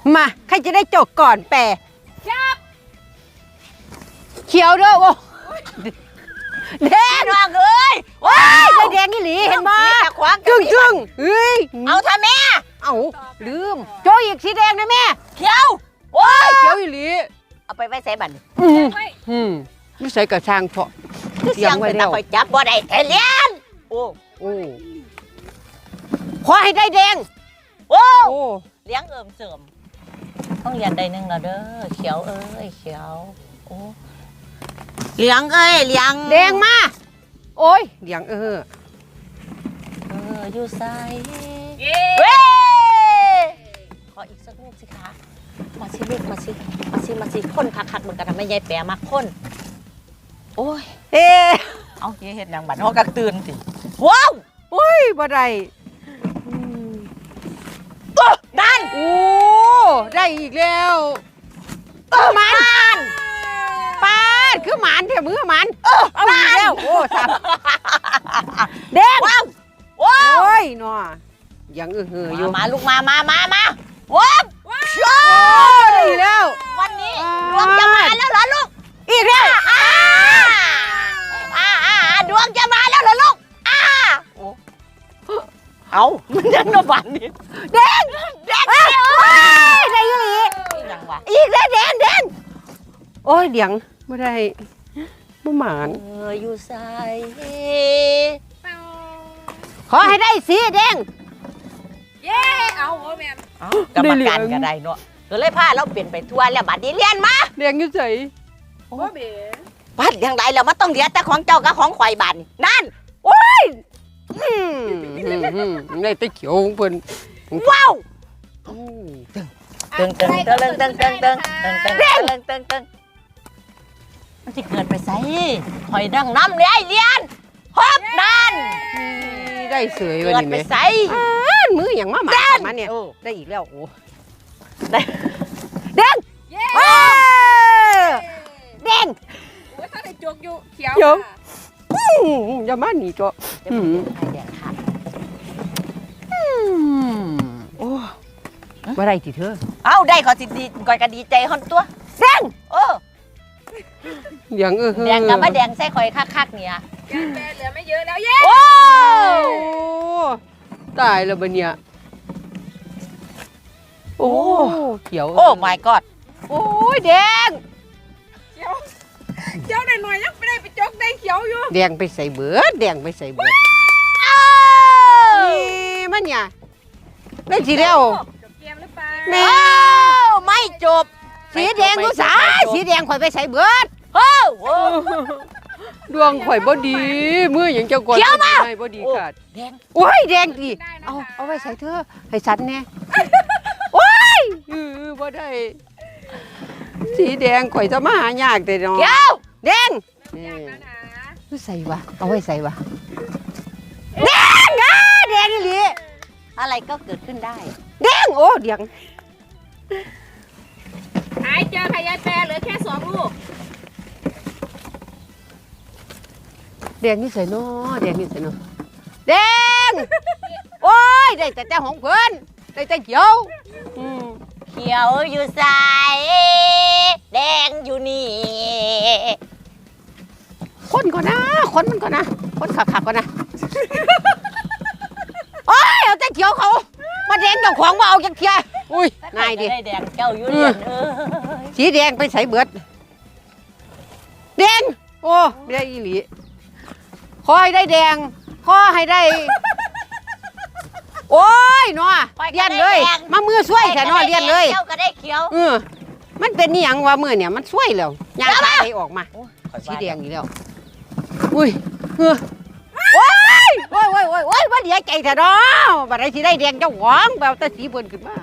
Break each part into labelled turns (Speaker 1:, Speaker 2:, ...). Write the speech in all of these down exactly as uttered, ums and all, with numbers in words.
Speaker 1: มาใครจะได้จกก่อนแปรเขียวเด้อโอ้แดงว่างเอ้ยว้ายได้แดงนี่หลีเห็นบ่จึ้งจึ้งเฮ้ยเอาท่าแม่เอาลืมโจอีกสีแดงนะแม่เขียวโอ้ยเขียวอีหลีเอาไปไว้ใส่บันอืมอืมนี่ใส่กระชังเพาะเสียงไว้แล้วคอยจับบ่ได้แต่เลี้ยนโอ้โอ้ขอให้ได้แดงโอ้เลี้ยงเอิ่มเสริมต้องเรียนได้นึงแล้วเด้อเขียวเอ้ยเขียวโอ้เลี้ยงเอ้ยเลี้ยงแดงมาโอ้ยเลี้ยงเออเอออยู่ใส่เว้ขออีกสักลูกสิคะมาสิลูกมาสิมาสิมาสิคนคักๆเหมือนกันทำไมยายแปรมาคนโอ้ยเอ๊เอาเฮ็ดยังบัดฮอกระตื่นสิว้าวโอ้ยบ่ได้ดันโอ้ได้อีกแล้วมันปาดคือหมันเถอะมือหมันเอาอีกแล้วโอ้สามแดงว้าวโอ้ยหนอยังเออเฮออยู่มาลูกมามามามาว้าวได้อีกแล้ววันนี้ดวงจะมาแล้วเหรอลูกอีกแล้วอ่าอ่าอ่าดวงจะมาแล้วเหรอลูกอ่าเอามันยังนบันนี่แดงแดงได้ยังไงยังวะอีกแล้วแดงแดงโอ้ยเดี๋ยงไม่ได้ไม่หมานเอออยู่ใส่ขอให้ได้สีแดง
Speaker 2: เย้เอาโอ้แม่
Speaker 1: เอากรรมการก็ได้เนาะก็เลยพาเราเปลี่ยนไปทัวร์แล้วบัดนี้เรียนมาแดงอยู่ใส่
Speaker 2: โอ้เบ๋
Speaker 1: บัดอย่างไรแล้วมันต้องเรียนแต่ของเจ้ากับของข่อยบัดนั่นโอ้ยอืมได้แต่เขียวเพิ่นว้าวตึงตึงตึงตึงตึงตึงตึงตึงตึงตึงตึงตึงมันจะเกิดไปใส่หอยดังน้ำเลยเรียนฮอบนั่นได้เสยวันนี้ไหมเกิดไปใส่มืออย่างมาหมามาเนี่ยได้อีกแล้วโอ้ได้แดงแดง
Speaker 2: โอ้ยถ้าได้จกอยู่เขียว
Speaker 1: อย่ามาหนีจ้ะอืมแดงค่ะโอ้ว่าไรทีเธอเอาได้ขอสิดีก่อยก็ดีใจฮอนตัวแดงเออแดงเออแดงกับมาแดงใส่ข่อยคักๆเนี่ย
Speaker 2: แกแม่เหลือไม่เยอะแล้วเย้
Speaker 1: โอ้ตายแล้วบัดเนี่ยโอ้เขียวโอ้ my god โอ้ยแดง
Speaker 2: เขียวเขียวหน่อยๆยังไม่ได้ไปจกได้เขียวอยู่
Speaker 1: แดงไปใส่เบิดแดงไปใส่เบิดนี่มันเนี่ยได้ทีเดียวแม่ไม่จบสีแดงกูสาสีแดงข่อยไปใส่เบิดโอ้ดวงข่อยบ่ดีมืออย่างเจ้าก่อนไม่บ่ดีขาดแดงโอ้ยแดงดิเอาเอาไว้ใส่เธอให้ฉันแน่โอ้ยเออบ่ได้สีแดงข่อยจะมาหายากแต่เนาะแดงนี่ใส่วะเอาไว้ใส่วะแดงอ่ะแดงนี่ลิอะไรก็เกิดขึ้นได้แดงโอ้แดง
Speaker 2: หายเจอพยายแปรเหลือแค่สองลูก
Speaker 1: แดงนี่ใส่เนาะแดงนี่ใส่เนาะแดงโอ้ยได้แต่แต่ของเพิ่นได้แต่เขียวเขียวอยู่ใส่แดงอยู่นี่คนก่อนนะคนมันก่อนนะคนขักขักก่อนนะโอ้ยเอาแต่เขียวเขามาแดงกับของมาเอาจังเทียอุ้ยนายดิแดงเจ้าอยู่เรียนเออสีแดงไปใส่เบิดแดงโอ้ไม่ได้อีหลีขอให้ได้แดงขอให้ได้โอ้ยเนาะเรียนเลยมามือช่วยแค่นอเรียนเลยเจ้าก็ได้เขียวเออมันเป็นนี่ยังว่ามือเนี่ยมันช่วยแล้วยางขาไหลออกมาสีแดงอยู่แล้วอุ้ยเออโอ้ยโอ้ยโอ้ยโอ้ยโอ้ยว่าเดี๋ยวใจเถอะเนาะบัดนี้สิได้แดงเจ้าหวงแบบแต่สีเบิ่นขึ้นมา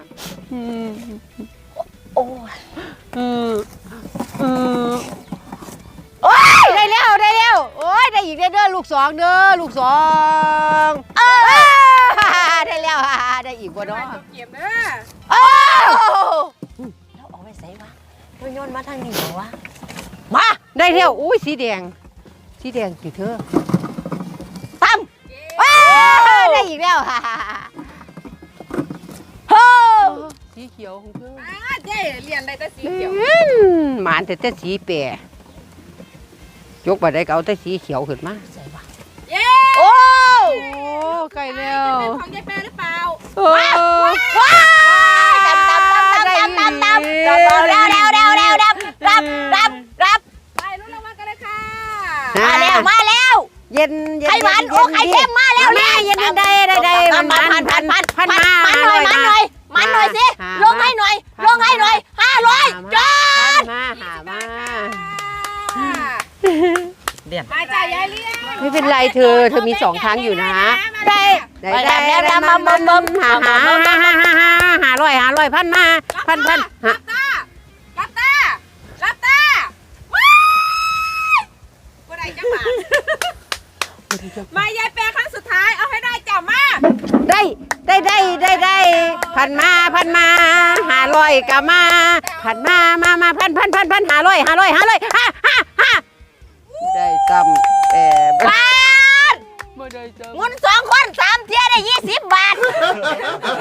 Speaker 1: โอ้ยเออเออโอ้ยได้แล้วได้แล้วโอ้ยได้อีกเด้อลูกสองเด้อลูกสองเออได้แล้วได้อีกบ่เนาะ
Speaker 2: เก็บเด้อ
Speaker 1: เออแล้วเอาไว้ใส่วะมันโยนมาทางนี้เหรอวะมาได้แล้วอุ้ยสีแดงสีแดงสิเธอตั้มได้อีกแล้วฮ่าฮ่าฮ่าเขียวของเธอ
Speaker 2: อ่าเจ๊เรียนได้แต่สีเขียว
Speaker 1: หมานแต่แต่สีแปรยกไปได้ก็เอาแต่สีเขียวขึ้นมาใส่ว่า
Speaker 2: เย้
Speaker 1: โอ้ใกล้แล้ว
Speaker 2: เป็นของยายแปรหรือเปล่า
Speaker 1: เออว้าดำดำดำดำดำดำดำเร็วเร็วเร็วเร็วดำรับรับรับ
Speaker 2: ไปรุ่นรางวัลกันเลยค่ะ
Speaker 1: มาแล้วมาแล้วเย็นเย็น
Speaker 3: ไข่หวานโอ้ไข่เค็มมาแล้ว
Speaker 1: แม่เย็นได้ได้ได้มันมันพันพันพันมา
Speaker 3: มันหน่อยมันหน่อยมันหน่อยสิลงให้หน่อยลงให้หน่อยห้าร้อยจ้า
Speaker 1: มาหามา
Speaker 2: มาจ่ายยายเลี้ยง
Speaker 1: ไม่เป็นไรเธอเธอมีสองครั้งอยู่นะได้ได้
Speaker 3: ไป
Speaker 1: ได้
Speaker 3: แล้ว
Speaker 1: ได้
Speaker 3: แล้ว
Speaker 1: มา
Speaker 3: มา
Speaker 1: มา
Speaker 3: มา
Speaker 1: มา
Speaker 3: มา
Speaker 1: หาหาหาหาหาหาร้อยหาร้อยพันมาพันพันหา
Speaker 2: รับตารับตารับตาว้ายบ่ได้จังหวะมายายแปรครั้งสุดท้ายเอาให้ได้จ้ามา
Speaker 1: ได้ได้ได้ได้ได้พันมาพันมาหาร้อยกะมาพันมามามาพันพันพันพันหาร้อยหาร้อยหาร้อยห้าห้าห้าได้จำแต่
Speaker 3: บ้าน
Speaker 1: ไม่ได้จำ
Speaker 3: หมุนสองคนสามเที่ยได้ยี่สิบบาท
Speaker 1: เ